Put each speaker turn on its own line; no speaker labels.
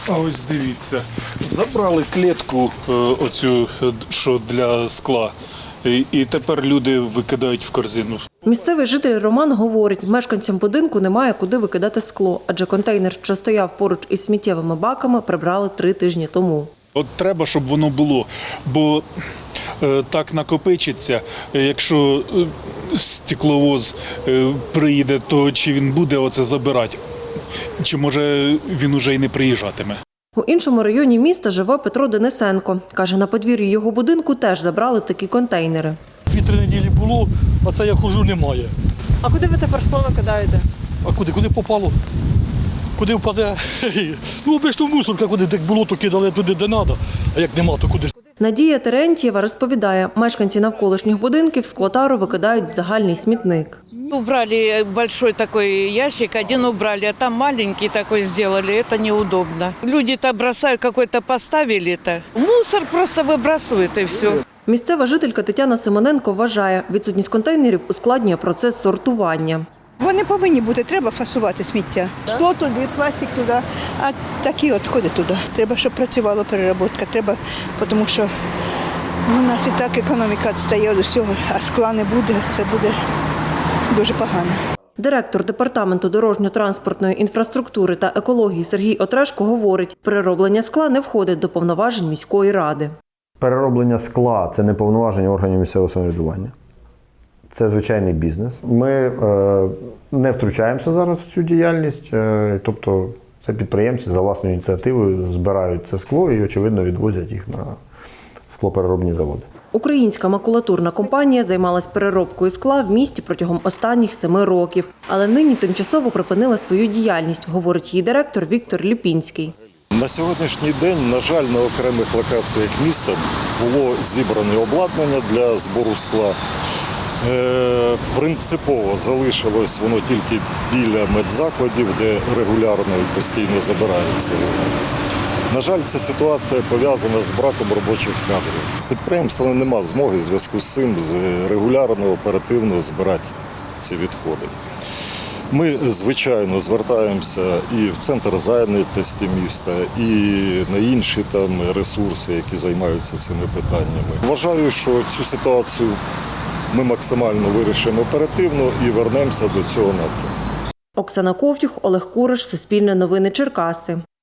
А ось дивіться, забрали клітку оцю, що для скла, і тепер люди викидають в корзину.
Місцевий житель Роман говорить, мешканцям будинку немає куди викидати скло, адже контейнер, що стояв поруч із сміттєвими баками, прибрали 3 тижні тому.
От треба, щоб воно було, бо так накопичиться, якщо стекловоз приїде, то чи він буде оце забирати, чи може він уже й не приїжджатиме.
У іншому районі міста живе Петро Денисенко. Каже, на подвір'ї його будинку теж забрали такі контейнери.
2-3 неділі було, а це я хожу, немає.
А куди ви тепер скло викидаєте?
А куди? Куди попало? Куди впаде? Ну, обично мусорка, куди так було, то кидали туди, де треба, а як нема, то куди ж?
Надія Терентьєва розповідає, мешканці навколишніх будинків склотару викидають в загальний смітник.
Убрали большой такой ящик, один убрали, а там маленький такой сделали, это неудобно. Люди-то бросают, какой-то поставили-то. Мусор просто выбрасывают и все.
Місцева жителька Тетяна Симоненко вважає, відсутність контейнерів ускладнює процес сортування.
Вони повинні бути, треба фасувати сміття. Скло туди, пластик туди, а такі відходи туди. Треба, щоб працювала переробка, треба, тому що у нас і так економіка відстає від усього, а скла не буде, це буде дуже погано.
Директор департаменту дорожньо-транспортної інфраструктури та екології Сергій Отрешко говорить, перероблення скла не входить до повноважень міської ради.
Перероблення скла – це не повноваження органів місцевого самоврядування. Це звичайний бізнес. Ми не втручаємося зараз в цю діяльність, тобто це підприємці за власною ініціативою збирають це скло і, очевидно, відвозять їх на склопереробні заводи.
Українська макулатурна компанія займалась переробкою скла в місті протягом останніх 7 років. Але нині тимчасово припинила свою діяльність, говорить її директор Віктор Ліпінський.
На сьогоднішній день, на жаль, на окремих локаціях міста було зібране обладнання для збору скла. Принципово залишилось воно тільки біля медзакладів, де регулярно і постійно забирається. На жаль, ця ситуація пов'язана з браком робочих кадрів. Підприємства не має змоги в зв'язку з цим регулярно, оперативно збирати ці відходи. Ми, звичайно, звертаємося і в центр зайнятості міста, і на інші там ресурси, які займаються цими питаннями. Вважаю, що цю ситуацію ми максимально вирішимо оперативно і вернемося до цього напрямку.
Оксана Ковтюх, Олег Куриш, Суспільне новини, Черкаси.